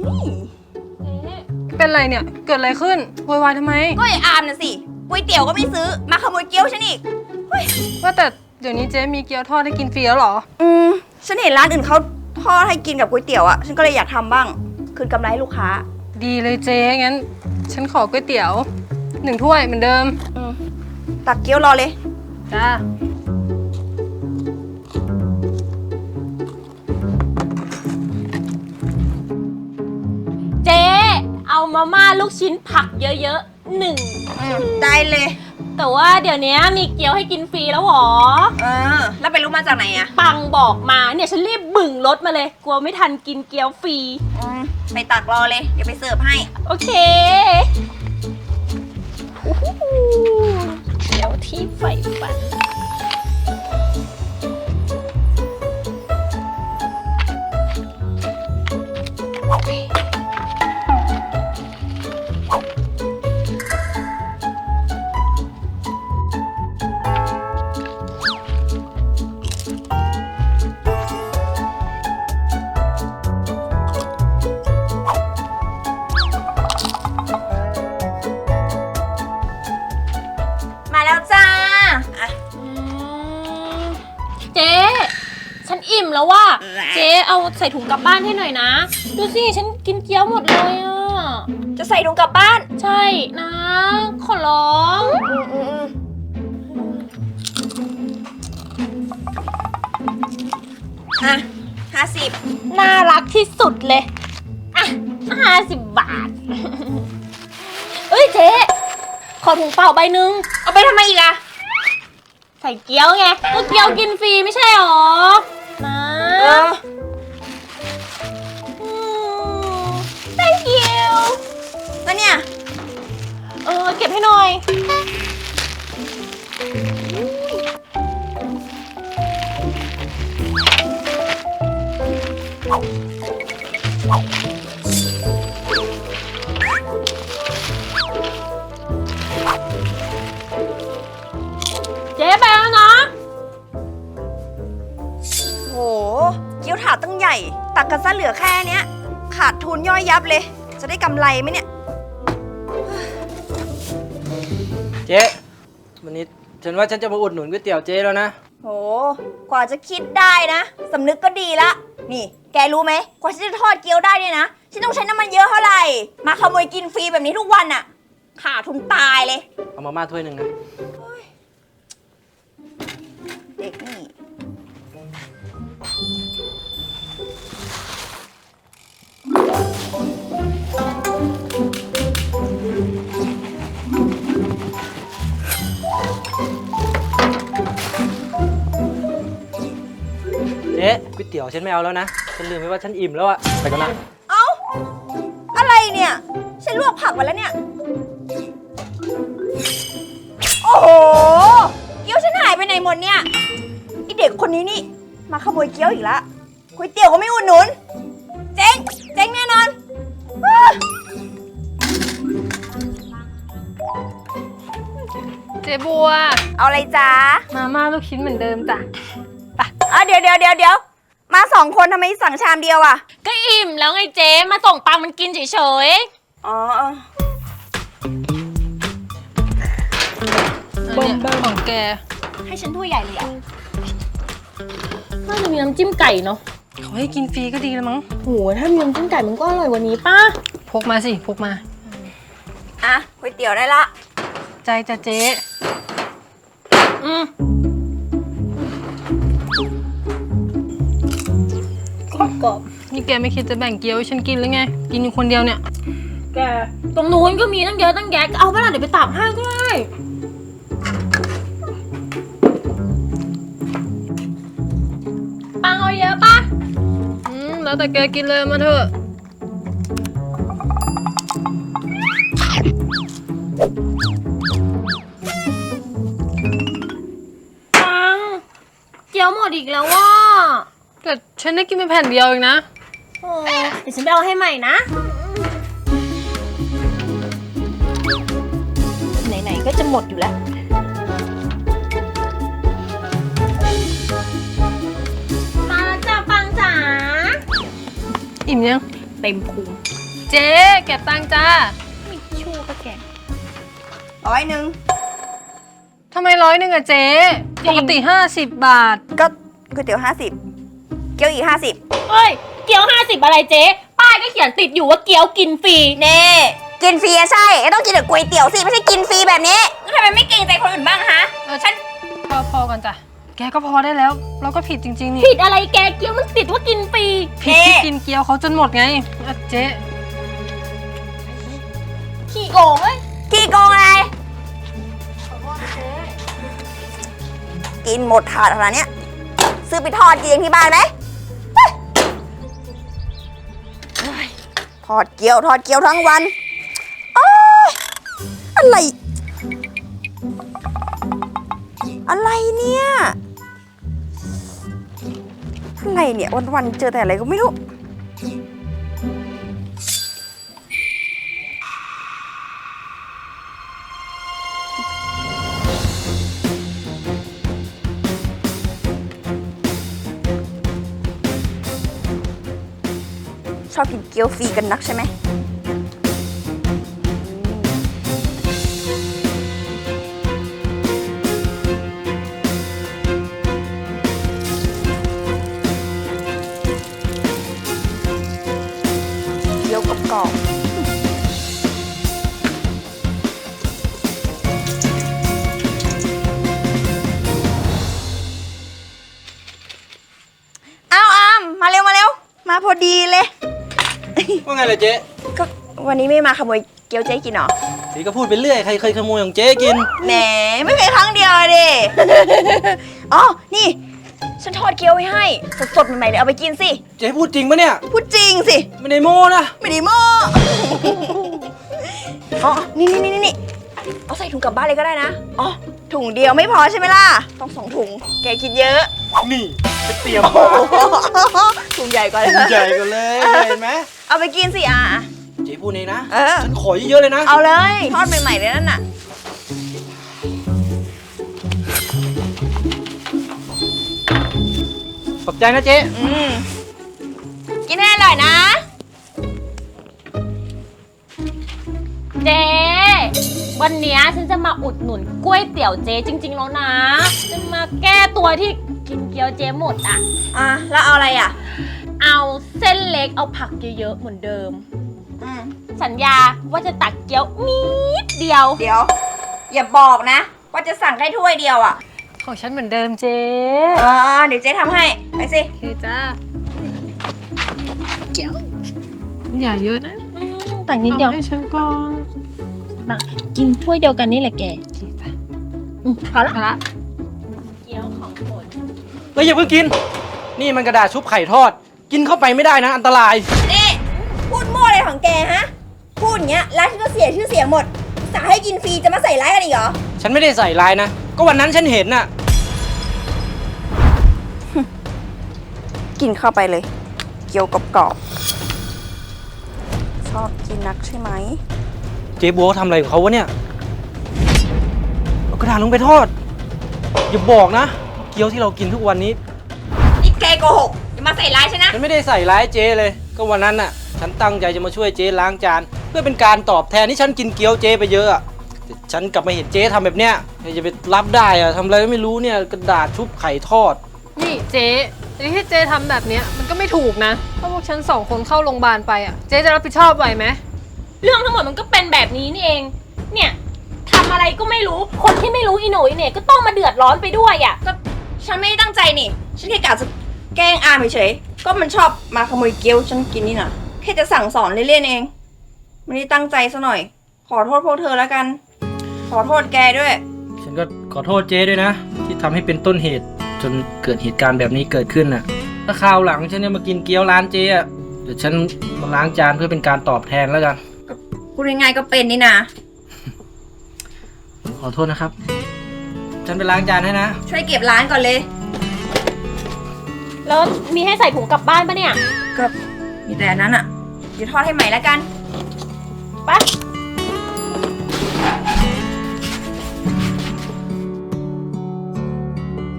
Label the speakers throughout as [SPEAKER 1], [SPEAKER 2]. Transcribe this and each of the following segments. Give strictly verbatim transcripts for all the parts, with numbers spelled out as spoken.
[SPEAKER 1] เป็นไรเนี่ยเกิดอะไรขึ้นโวยวายทำไม
[SPEAKER 2] ก็ไอ้อามน่ะสิก๋วยเตี๋ยวก็ไม่ซื้อมาขโมยเกี๊ยวฉันอีก
[SPEAKER 1] ว่าแต่เดี๋ยวนี้เจ๊มีเกี๊ยวทอดให้กินฟรีแล้วเหรอ
[SPEAKER 2] อืมฉันเห็นร้านอื่นเขาทอดให้กินกับก๋วยเตี๋ยวอะฉันก็เลยอยากทำบ้างคืนกำไรให้ลูกค้า
[SPEAKER 1] ดีเลยเจ๊งั้นฉันขอก๋วยเตี๋ยวหนึ่งถ้วยเหมือนเดิม
[SPEAKER 2] อืมตักเกี๊ยวรอเลย
[SPEAKER 1] จ้า
[SPEAKER 3] เจ๊เอามาม่าลูกชิ้นผักเยอะๆหนึ่ง
[SPEAKER 2] ได้เลย
[SPEAKER 3] แต่ว่าเดี๋ยวนี้มีเกี๊ยวให้กินฟรีแล้วหรอ
[SPEAKER 2] เออแล้วไปรู้มาจากไหนอะ
[SPEAKER 3] ปังบอกมาเนี่ยฉันรีบบึ่งรถมาเลยกลัวไม่ทันกินเกี๊ยวฟรี
[SPEAKER 2] อืมไปตักรอเลยเดี๋ยวไปเสิร์ฟให้
[SPEAKER 3] โอเคเกี๊ยวที่ใฝ่ฝัน
[SPEAKER 2] มาแล้วจ้า
[SPEAKER 3] เจ๊ฉันอิ่มแล้วว่าเจ๊เอาใส่ถุงกลับบ้านให้หน่อยนะดูสิฉันกินเกี๊ยวหมดเลยอ่ะ
[SPEAKER 2] จะใส่ถุงกลับบ้าน
[SPEAKER 3] ใช่นะขอร้อง
[SPEAKER 2] อ่ะห้าสิบ
[SPEAKER 3] น่ารักที่สุดเลยอ่ะห้าสิบบาทเอ้ยเจ๊ขอถุงเปล่าใบหนึ่ง
[SPEAKER 2] เอาไปทำไมอีกอะ
[SPEAKER 3] ใส่เกี๊ยวไงก็เกี๊ยวกินฟรีไม่ใช่หรอนะ
[SPEAKER 2] เออ
[SPEAKER 3] thank you
[SPEAKER 2] แล้วเนี่ย
[SPEAKER 3] เออเก็บให้หน่อยเจ๊ไปแล้วนะ
[SPEAKER 2] โหเกี๊ยวถาดตั้งใหญ่ตักกันซะเหลือแค่เนี้ยขาดทุนย่อยยับเลยจะได้กำไรไหมเนี่ย
[SPEAKER 4] เจ๊วันนี้ฉันว่าฉันจะมาอุดหนุนก๋วยเตี๋ยวเจ๊แล้วนะ
[SPEAKER 2] โหกว่าจะคิดได้นะสำนึกก็ดีละนี่แกรู้ไหมกว่าฉันจะทอดเกี๊ยวได้เนี่ยนะฉันต้องใช้น้ำมันเยอะเท่าไหร่มาขโมยกินฟรีแบบนี้ทุกวันอะขาดทุนตายเลย
[SPEAKER 4] เอามาม่าถ้วยหนึ่งนะ
[SPEAKER 2] เด็กนี่
[SPEAKER 4] เจ๊ก๋วยเตี๋ยวฉันไม่เอาแล้วนะฉันลืมไปว่าฉันอิ่มแล้วอะไปก่อนนะ
[SPEAKER 2] เอ้าอะไรเนี่ยฉันลวกผักไว้แล้วเนี่ยโอ้โหเกี๊ยวฉันหายไปไหนหมดเนี่ยไอเด็กคนนี้นี่มาขโมยเกี๊ยวอีกแล้วก๋วยเตี๋ยวก็ไม่อุดหนุนเจ๊งเจ๊งแน่นอน
[SPEAKER 1] เจ๊บัว
[SPEAKER 2] เอาอะไรจ้า
[SPEAKER 1] มาม่าลูกชิ้นเหมือนเดิมจ้ะ
[SPEAKER 2] ไปอ่ะเดี๋ยวเดี๋ยวเดี๋ยวเดี๋ยวมาสองคนทำไมสั่งชามเดียวอ่ะ
[SPEAKER 3] ก็อิ่มแล้วไงเจ๊มาส่งปังมันกินเฉย
[SPEAKER 2] ๆอ๋อ
[SPEAKER 1] บอมบอมของแก
[SPEAKER 2] ให้ฉันถ้วยใหญ่เลยอ่ะ
[SPEAKER 3] น่าจะมีน้ำจิ้มไก่เนาะ
[SPEAKER 1] เขาให้กินฟรีก็ดีแล้วมั้ง
[SPEAKER 3] โหถ้ามีน้ำจิ้มไก่มันก็อร่อยกว่านี้ป่ะ
[SPEAKER 1] พกมาสิพกมา
[SPEAKER 2] อ่ะก๋วยเตี๋ยวได้ละ
[SPEAKER 1] ใจจะเจ๊อืม
[SPEAKER 3] กรอบ
[SPEAKER 1] นี่แกไม่คิดจะแบ่งเกี๊ยวให้ฉันกินหรือไงกินอยู่คนเดียวเนี่ย
[SPEAKER 3] แกตรงนู้นก็มีตั้งเยอะตั้งแยะเอาไปละเดี๋ยวไปตักให้ก็ได้ปังเอาเยอะป่ะ
[SPEAKER 1] อืมแล้วแต่แกกินเลยมาเถอะ
[SPEAKER 3] ปังเกี๊ยวหมดอีกแล้วว่ะ
[SPEAKER 1] แต่ฉันได้กินไปแผ่นเดียวเองนะ
[SPEAKER 3] โอ้เดี๋ยวฉันไปเอาให้ใหม่นะไหนๆก็จะหมดอยู่แล้วมาแล้วจ้าปังจ๋า
[SPEAKER 1] อิ่มยัง
[SPEAKER 3] เต็มพุง
[SPEAKER 1] เจ๊เก็บตังค์จ้า
[SPEAKER 3] ไม่ชู้ก็แก
[SPEAKER 2] ร้อยหนึ่ง
[SPEAKER 1] ทำไมร้อยหนึ่งอะเจ๊ปกติห้าสิบบาท
[SPEAKER 2] ก็ก๋วยเตี๋ยวห้าสิบเกี๊ยวอีกห้าสิบ
[SPEAKER 3] เอ้ย เกี๊ยวห้าสิบอะไรเจ๊ป้ายก็เขียนติดอยู่ว่าเกี๊ยวกินฟรี
[SPEAKER 2] เน่กินฟรีอะใช่ก็ต้องกินกับก๋วยเตี๋ยวสิไม่ใช่กินฟรีแบบนี้แล้วทำไมไม่เกรงใจคนอื่นบ้างฮะ
[SPEAKER 1] เออฉันพอพอกันจ้ะ แกก็พอได้แล้ว เราก็ผิดจริงๆนี่
[SPEAKER 3] ผิดอะไรแกเกี๊ยวมันติดว่ากินฟรี
[SPEAKER 1] ผิดที่กินเกี๊ยวเขาจนหมดไงอ่ะเจ๊
[SPEAKER 3] ขี้โกงเอ้ย
[SPEAKER 2] กี่โกงอะไรกินหมดถาดขนาดเนี้ยซื้อไปทอดกินเองที่บ้านไหมเฮ้ยเฮ้ยทอดเกี๊ยวทอดเกี๊ยวทั้งวันอ้าวอะไร อะไรเนี่ย อะไรเนี่ยวันๆเจอแต่อะไรก็ไม่รู้ ชอบกินเกี๊ยวฟรีกันนักใช่ไหม เกี๊ยวกรอบๆเอาอามมาเร็วมาเร็ว มาพอดีเลย
[SPEAKER 4] ว่าไงล่ะเจ๊
[SPEAKER 2] ก็วันนี้ไม่มาขโมยเกี๊ยวเจ๊กินเหรอ
[SPEAKER 4] สีก็พูดไปเรื่อยใครเคยขโมยของเจ๊กิน
[SPEAKER 2] แหมไม่เคยครั้งเดียวอะดิ อ๋อ นี่ ฉันทอดเกี๊ยวไว้ให้ สดๆใหม่ๆเลยเอาไปกินสิ
[SPEAKER 4] เจ๊พูดจริงปะเนี่ย
[SPEAKER 2] พูดจริงสิ
[SPEAKER 4] ไม่ได้โม้นะ
[SPEAKER 2] ไม่ได้โม้อ๋อ นี่นี่นี่นี่เอาใส่ถุงกลับบ้านเลยก็ได้นะ อ๋อ ถุงเดียวไม่พอใช่ไหมล่ะ ต้องสองถุง แกกินเยอะ
[SPEAKER 4] นี่ไปเตรียม
[SPEAKER 2] โอ้
[SPEAKER 4] มา
[SPEAKER 2] โหถุงใหญ่ก่อนเลย
[SPEAKER 4] ใหญ่กันเลยเห็นไหม
[SPEAKER 2] เอาไปกินสิอ่ะ
[SPEAKER 4] เจ๊พูดเองนะ
[SPEAKER 2] เออ
[SPEAKER 4] ฉันขอเยอะๆเลยนะ
[SPEAKER 2] เอาเลย ทอดใหม่ๆเลยนั่นน่ะ
[SPEAKER 4] ขอบใจนะเจ๊
[SPEAKER 2] อืม กินให้อร่อยนะ
[SPEAKER 3] เจ๊วันเนี้ยฉันจะมาอุดหนุนก๋วยเตี๋ยวเจ๊จริง ๆ แล้วนะ จะมาแก้ตัวที่กินเกี๊ยวเจ๊หมดอ่ะ
[SPEAKER 2] อ่ะ แล้วเอาอะไรอ่ะ
[SPEAKER 3] เอาเส้นเล็กเอาผักเยอะๆเหมือนเดิม
[SPEAKER 2] อืม
[SPEAKER 3] สัญญาว่าจะตักเกี๊ยวนิดเดียว
[SPEAKER 2] เดี๋ยว อย่าบอกนะ ว่าจะสั่งแค่ถ้วยเดียวอ่ะ
[SPEAKER 1] ของฉันเหมือนเดิมเจ๊
[SPEAKER 2] อ่าเดี๋ยวเจ๊ทำให้ ไปสิ
[SPEAKER 1] โอเคจ้าเกี๊ยวอย่าเยอะนะ
[SPEAKER 3] ตักนิดเดียว
[SPEAKER 1] อาให้ฉันก่อน
[SPEAKER 3] มากินถ้วยเดียวกันนี่แหละแก
[SPEAKER 1] โอเคจ้ะ
[SPEAKER 3] อืมพอละ
[SPEAKER 1] เอาละ
[SPEAKER 3] เกี๊ยวของโปรด
[SPEAKER 4] เฮ้ยอย่าเพิ่งกิน นี่มันกระดาษชุบไข่ทอด กินเข้าไปไม่ได้นะอันตราย
[SPEAKER 2] นี่พูดมั่วอะไรของแกฮะ พูดอย่างเงี้ยร้านฉันก็เสียชื่อเสียงหมดสาให้กินฟรีจะมาใส่ร้ายกันอีกเหรอ
[SPEAKER 4] ฉันไม่ได้ใส่ลายนะ ก็วันนั้นฉันเห็นน่ะ
[SPEAKER 2] กินเข้าไปเลย เกี๊ยวกรอบๆชอบกินนักใช่ไหม
[SPEAKER 4] เจ๊บัวเขาทำอะไรของเขาวะเนี่ย เอากระดาษลงไปทอด อย่าบอกนะ เกี๊ยวที่เรากินทุกวันนี้
[SPEAKER 2] นี่แกโกหกอย่ามาใส่ร้ายฉันนะ
[SPEAKER 4] ฉันไม่ได้ใส่ร้ายเจ๊เลย ก็วันนั้นน่ะ ฉันตั้งใจจะมาช่วยเจ๊ล้างจาน เพื่อเป็นการตอบแทนที่ฉันกินเกี๊ยวเจ๊ไปเยอะอะแต่ฉันกลับมาเห็นเจ๊ทำแบบเนี้ยใครจะไปรับได้อะทำอะไรก็ไม่รู้เนี่ยกระดาษชุบไข่ทอด
[SPEAKER 1] นี่เจ๊ไอ้ที่เจ๊ทำแบบเนี้ยมันก็ไม่ถูกนะถ้าพวกฉันสองคนเข้าโรงพยาบาลไปอ่ะ เจ๊จะรับผิดชอบไหวไหม
[SPEAKER 3] เรื่องทั้งหมดมันก็เป็นแบบนี้นี่เอง เนี่ยทำอะไรก็ไม่รู้ คนที่ไม่รู้อีโหน่อีเหน่ก็ต้องมาเดือดร้อนไปด้วยอ่ะ
[SPEAKER 2] ก็ฉันไม่ได้ตั้งใจนี่ ฉันแค่กะจะแกล้งอามเฉยๆก็มันชอบมาขโมยเกี๊ยวฉันกินนี่นะแค่จะสั่งสอนเล่นๆเอง ไม่ได้ตั้งใจซะหน่อย ขอโทษพวกเธอแล้วกัน ขอโทษแกด้วย
[SPEAKER 4] ฉันก็ขอโทษเจ๊ด้วยนะ ที่ทำให้เป็นต้นเหตุ จนเกิดเหตุการณ์แบบนี้เกิดขึ้นน่ะ ถ้าคราวหลังฉันเนี่ยมากินเกี๊ยวร้านเจ๊อะเดี๋ยวฉันมาล้างจานเพื่อเป็นการตอบแทนแล้วกัน
[SPEAKER 2] พูดง่ายๆก็เป็นนี่นะ
[SPEAKER 4] ขอโทษนะครับ ฉันไปล้างจานให้นะ
[SPEAKER 2] ช่วยเก็บร้านก่อนเลย
[SPEAKER 3] แล้วมีให้ใส่ถุงกลับบ้านปะเนี่ย
[SPEAKER 2] ก็มีแต่อันนั้นอ่ะ เดี๋ยวทอดให้ใหม่แล้วกัน
[SPEAKER 3] ไป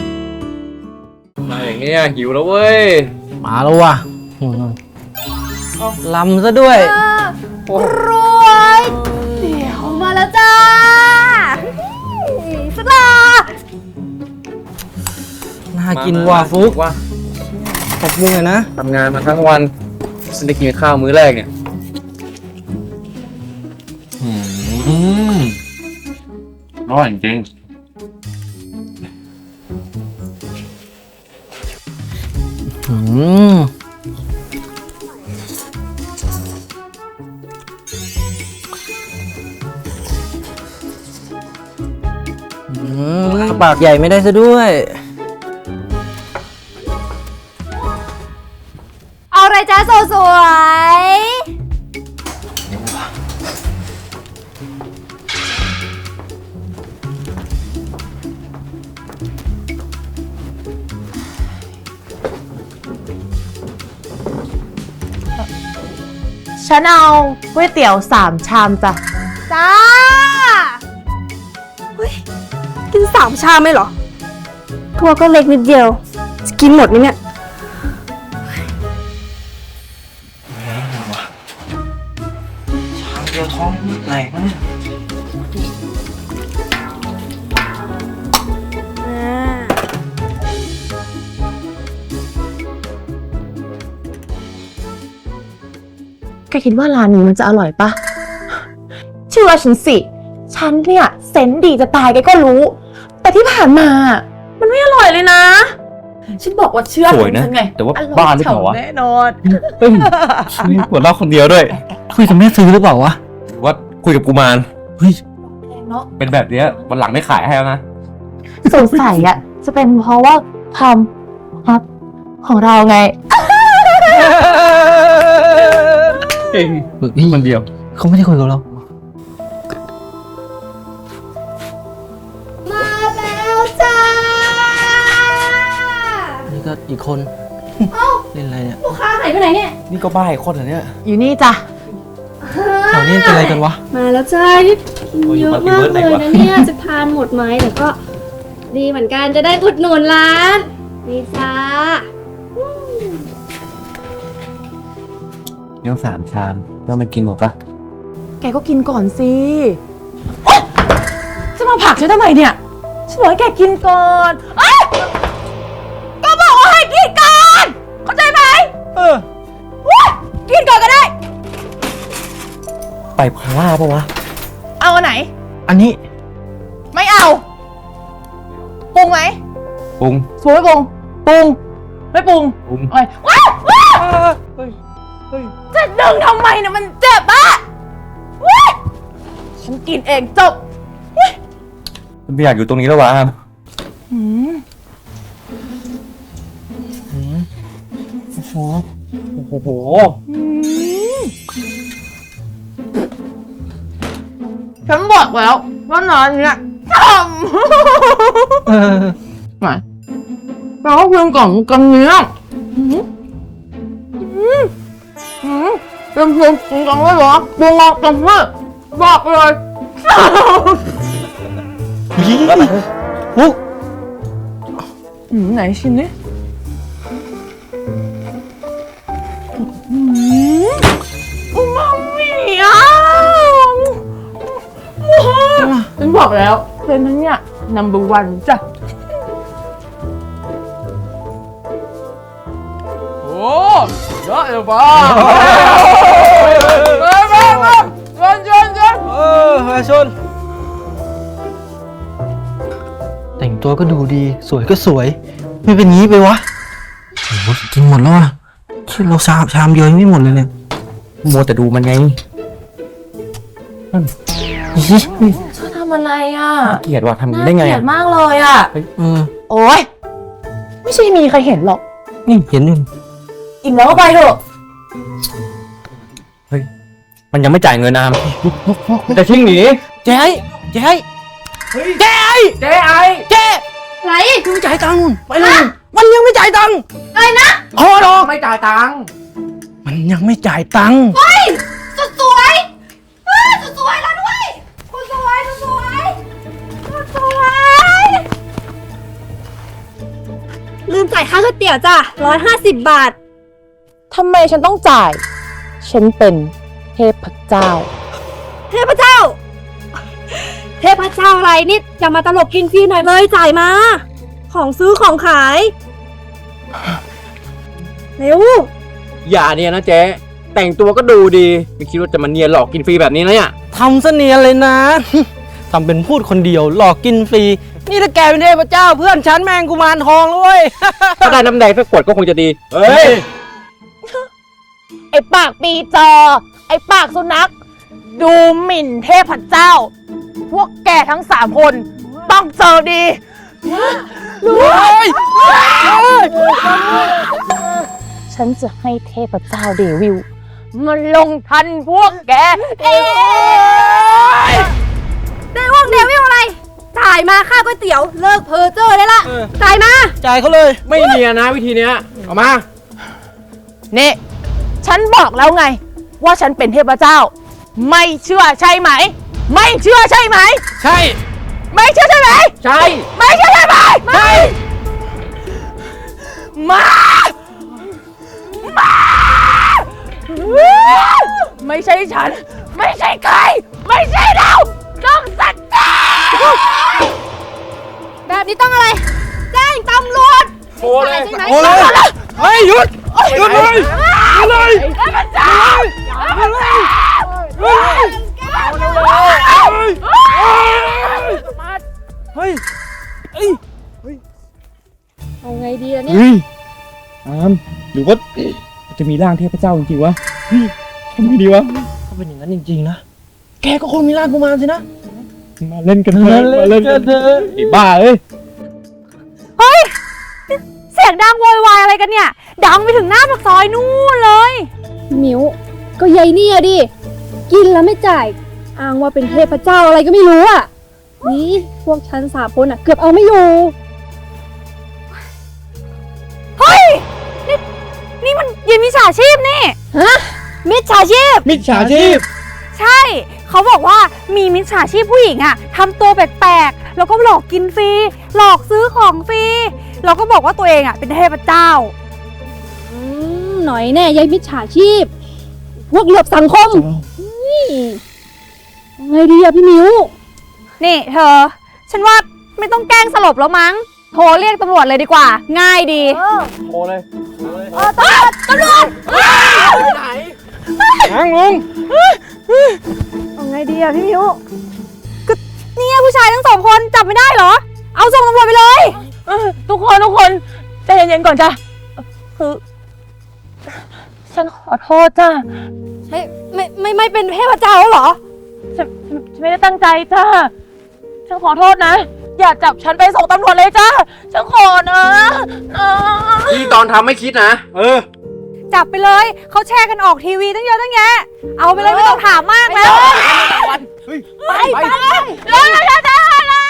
[SPEAKER 5] มาอย่างเงี้ยหิวแล้วเว้ย
[SPEAKER 4] มาแล้วว่ะลำซะด้วย
[SPEAKER 2] รวยเดี๋ยวมาแล้วจ้าสลา
[SPEAKER 4] น่ากินว่ะฟุก
[SPEAKER 5] ว่า
[SPEAKER 4] ขอบคุณเลยนะ
[SPEAKER 5] ทำงานมาทั้งวันฉันได้กินข้าวมื้อแรกเนี่ยอืมอร่อยจริง
[SPEAKER 4] อืมอืมปากใหญ่ไม่ได้ซะด้วย
[SPEAKER 2] เอาอะไรจ้าสวย
[SPEAKER 6] ฉันเอาก๋วยเตี๋ยวสามชามจ้ะ
[SPEAKER 2] ๆจ้าเฮ้ยกินสามชามไหมเหรอทัวก็เล็กนิดเดียวจะกินหมดไหมเนี่ย
[SPEAKER 4] เดียวท้องไหนวะเนี่ย
[SPEAKER 6] แกคิดว่าร้านนี้มันจะอร่อยปะเชื่อฉันสิ ฉันเนี่ยเซนส์ดีจะตายแกก็รู้ แต่ที่ผ่านมา มันไม่อร่อยเลยนะ ฉันบอกว่าเชื่อ
[SPEAKER 5] สวยนะ
[SPEAKER 6] ฉันไง
[SPEAKER 5] แต่ว่า
[SPEAKER 6] อร่อย
[SPEAKER 5] บ้าหรือเปล่าวะ
[SPEAKER 6] ฉ่ำแน่นอน
[SPEAKER 5] เฮ้ยมีหัวเราะคนเดียวด้วย
[SPEAKER 4] คุยกับแม่ซื้อหรือเปล่าวะ
[SPEAKER 5] หรือว่าคุยกับกุมาร
[SPEAKER 4] เฮ้ย
[SPEAKER 6] เนาะ
[SPEAKER 5] เป็นแบบเนี้ยวันหลังไม่ขายให้แล้วนะ
[SPEAKER 6] สงสัยอ่ะ จะเป็นเพราะว่าความครับของเราไง
[SPEAKER 5] เก่ง
[SPEAKER 4] ฝึกนี่
[SPEAKER 5] คนเดียว
[SPEAKER 4] เขาไม่ได้คุยกับเรา
[SPEAKER 2] มาแล้วจ้า
[SPEAKER 4] นี่ก็อีกคน เล่นอะไรเนี่ย
[SPEAKER 2] ลูกค้าหายไปไหนเนี่ย
[SPEAKER 5] นี่ก็บ้าอีกคนเหรอเนี่ย
[SPEAKER 6] อยู่นี่จ้ะ
[SPEAKER 4] แถวนี้เป็นอะไรกันวะ
[SPEAKER 7] มาแล้วจ้าที่กินเยอะมากเลยนะเนี่ย จะทานหมดไหมแต่ก็ดีเหมือนกันจะได้อุดหนุนร้านนี่จ้า
[SPEAKER 5] นี่ต้องสามชามแล้วมันกินหมดปะ
[SPEAKER 6] แกก็กินก่อนสิโอ๊ยจะมาผลักฉันทำไมเนี่ย ฉันบอกให้แกกินก่อนเอ้ยก็บอกว่าให้กินก่อน เข้าใจไหม
[SPEAKER 4] เออ
[SPEAKER 6] ว้ยกินก่อนก็ได้
[SPEAKER 5] ไปพาร่าปะวะ
[SPEAKER 6] เอาอันไหน
[SPEAKER 4] อันนี้
[SPEAKER 6] ไม่เอา ปรุงไหม
[SPEAKER 5] ปรุง
[SPEAKER 6] สวยปรุง ปรุง ไม่ปรุง
[SPEAKER 5] ปรุง
[SPEAKER 6] โอ้ยว้าวว้าวจะดึงทำไมเนี่ยมันเจ็บอะว้ายฉันกินเองจบ
[SPEAKER 5] ไม่อยากอยู่ตรงนี้แล้ววะ
[SPEAKER 6] หืม
[SPEAKER 5] โอ้โหโอ้โห
[SPEAKER 6] ฉันบอกแล้วว่าร้านเนี้ยท
[SPEAKER 4] เออ
[SPEAKER 6] ำไหนแปลว่าเพื่อนกล่องกันเนี้ยหืมหืมหืมเป็นเพื่อนกันเลยเหรอปรุงออกกันเพื่อบอกเลย
[SPEAKER 4] ฟุก
[SPEAKER 6] หืมไหนชิมดิหืมอูมามิอ่ะฉันบอกแล้วเป็นทั้งเนี้ย number one จ้ะ
[SPEAKER 5] โอ้เยอะเลยป้า
[SPEAKER 6] ชนชนชน
[SPEAKER 4] เออมาชน แต่งตัวก็ดูดี สวยก็สวย ไม่เป็นงี้ไปวะโอ้โหกินหมดแล้วอ่ะแค่เราชามชามเดียวยังไม่หมดเลยเนี่ย
[SPEAKER 5] มัวแต่ดูมันไง
[SPEAKER 4] อี
[SPEAKER 6] เธอทำอะไรอ่ะ
[SPEAKER 5] เกลียดว่ะทำ
[SPEAKER 6] น่า
[SPEAKER 5] ได้ไง
[SPEAKER 6] เกลีย
[SPEAKER 5] อะ
[SPEAKER 6] ดมากเลยอ่ะ
[SPEAKER 4] เออ
[SPEAKER 6] โอ๊ย ไม่ใช่มีใครเห็นหรอก
[SPEAKER 4] นี่เห็นอยู่
[SPEAKER 6] อิ่มแล้วก็ไปเถอะ
[SPEAKER 5] มันยังไม่จ่ายเงินนามจะชิ่งหนี
[SPEAKER 4] เจ๊เจ๊เจ๊
[SPEAKER 5] เจ๊ไอ
[SPEAKER 4] เจ๊
[SPEAKER 7] ไร
[SPEAKER 4] ยังไม่จ่ายตังค์นู่นไปเลยมันยังไม่จ่ายตังค์
[SPEAKER 7] อะไรนะ
[SPEAKER 4] พอหรอก
[SPEAKER 5] ไม่จ่ายตังค์
[SPEAKER 4] มันยังไม่จ่ายตังค์
[SPEAKER 7] สุดสวยเฮ้ยสุดสวยแล้วด้วยคุณสวยสุดสวยสุดสวยลืมจ่ายค่าก๋วยเตี๋ยวจ้ะร้อยห้าสิบบาท
[SPEAKER 6] ทำไมฉันต้องจ่ายฉันเป็นเทพเจ้า
[SPEAKER 7] เทพเจ้า เทพเจ้าอะไรนี่อย่ามาตลกกินฟรีหน่อยเลยจ่ายมา ของซื้อของขาย เร็ว
[SPEAKER 8] อย่าเนี่ยนะเจ๊แต่งตัวก็ดูดี ไม่คิดว่าจะมาเนียนหลอกกินฟรีแบบนี้นะเนี่ย
[SPEAKER 4] ทำเสนียนเลยนะ ทำเป็นพูดคนเดียวหลอกกินฟรี นี่ถ้าแกเป็นเทพเจ้าเพื่อนฉันแมงกุมารทองเลย
[SPEAKER 8] ถ้าได้น้ำแดงสักขวดก็คงจะดี เฮ้ย
[SPEAKER 6] ไอ้ปากปีจอ ไอ้ปากสุนัข ดูหมิ่นเทพเจ้า พวกแกทั้งสามคนต้องเจอดี ฉันจะให้เทพเจ้าเดวิลมันลงทันพวกแกเอง
[SPEAKER 7] เดวิลเดวิลอะไร จ่ายมาค่าก๋วยเตี๋ยวเลิกเพอเจอได้ละ
[SPEAKER 4] เออ
[SPEAKER 7] จ่ายมา
[SPEAKER 4] จ่ายเขาเลย
[SPEAKER 8] ไม่เนียนนะวิธีเนี้ยเอามา
[SPEAKER 6] นี่ ฉันบอกแล้วไง ว่าฉันเป็นเทพเจ้า ไม่เชื่อใช่ไหม ไม่เชื่อใช่ไหม
[SPEAKER 4] ใช่
[SPEAKER 6] ไม่เชื่อใช่ไหม
[SPEAKER 8] ใช่
[SPEAKER 6] ไม่เชื่อใช่ไหมไม่ มา มา ไม่ใช่ฉัน ไม่ใช่ใคร ไม่ใช่เราต้องสัตว์
[SPEAKER 7] แบบนี้ต้องอะไร แจ้งตำรวจ
[SPEAKER 8] โทรเลย
[SPEAKER 7] ใช่ไหม
[SPEAKER 4] โอ้เลยเฮ้ยหยุดหยุดเลยหยุดเลย
[SPEAKER 6] เทพเจ้าเทพเจ้า
[SPEAKER 4] เฮ้ยเฮ้ยเฮ้ย
[SPEAKER 7] เอาไงดีล่ะเนี่ย
[SPEAKER 8] เฮ้ยอามหรือว่าจะมีร่างเทพเจ้าจริงๆวะเฮ้ยทำไงดีวะ
[SPEAKER 4] ถ้าเป็นอย่างนั้นจริงๆนะ แกก็คงมีร่างกุมารสินะ
[SPEAKER 8] มาเล่นกันเถอะมาเล่นกันเถอะไอ้บ้าเอ้ย
[SPEAKER 7] เสียงดังโวยวายอะไรกันเนี่ย ดังไปถึงหน้าปากซอยนู่นเลยมิวก็ยายเนี่ยดิ กินแล้วไม่จ่าย อ้างว่าเป็นเทพเจ้าอะไรก็ไม่รู้อ่ะ นี่พวกฉันสามคนอ่ะ เกือบเอาไม่อยู่ เฮ้ย นี่ นี่มันยินมิจฉาชีพนี่ ฮะ มิจฉาชีพ
[SPEAKER 8] มิจฉาชีพ
[SPEAKER 7] ใช่ เขาบอกว่ามีมิจฉาชีพผู้หญิงอะทำตัวแปลกๆ แล้วก็หลอกกินฟรี หลอกซื้อของฟรี แล้วก็บอกว่าตัวเองอะเป็นเทพเจ้า อืม หน่อยแน่ยายมิจฉาชีพ พวกเหลือบสังคมนี่ไงดีอะพี่มิว นี่เธอ ฉันว่าไม่ต้องแกล้งสลบแล้วมั้ง โทรเรียกตำรวจเลยดีกว่า ง่ายดี
[SPEAKER 8] โทรเลย
[SPEAKER 7] เออตำรวจตำรวจ
[SPEAKER 4] นั่งลง
[SPEAKER 7] เอาไงดีอะพี่มิวก็เนี่ยผู้ชายทั้งสองคนจับไม่ได้เหรอ เอาส่งตำรวจไปเลย
[SPEAKER 6] เออทุกคนทุกคนใจเย็นๆก่อนจ้ะ คือ ฉันขอโทษจ้ะ
[SPEAKER 7] ไม่ไม่ไม่ไม่เป็นเทพเจ้าแล้วเหรอ
[SPEAKER 6] ฉันฉันฉันไม่ได้ตั้งใจจ้ะ ฉันขอโทษนะ อย่าจับฉันไปส่งตำรวจเลยจ้ะ ฉันขอนะนะ
[SPEAKER 8] ที่ตอนทำไม่คิดนะ เออ
[SPEAKER 7] จับไปเลย เขาแชร์กันออกทีวีตั้งเยอะตั้งแยะ เอาไปเลยไม่ต้องถามมากแล้ว
[SPEAKER 8] เฮ้ย
[SPEAKER 7] ไปไปเลยเลยเลยเลย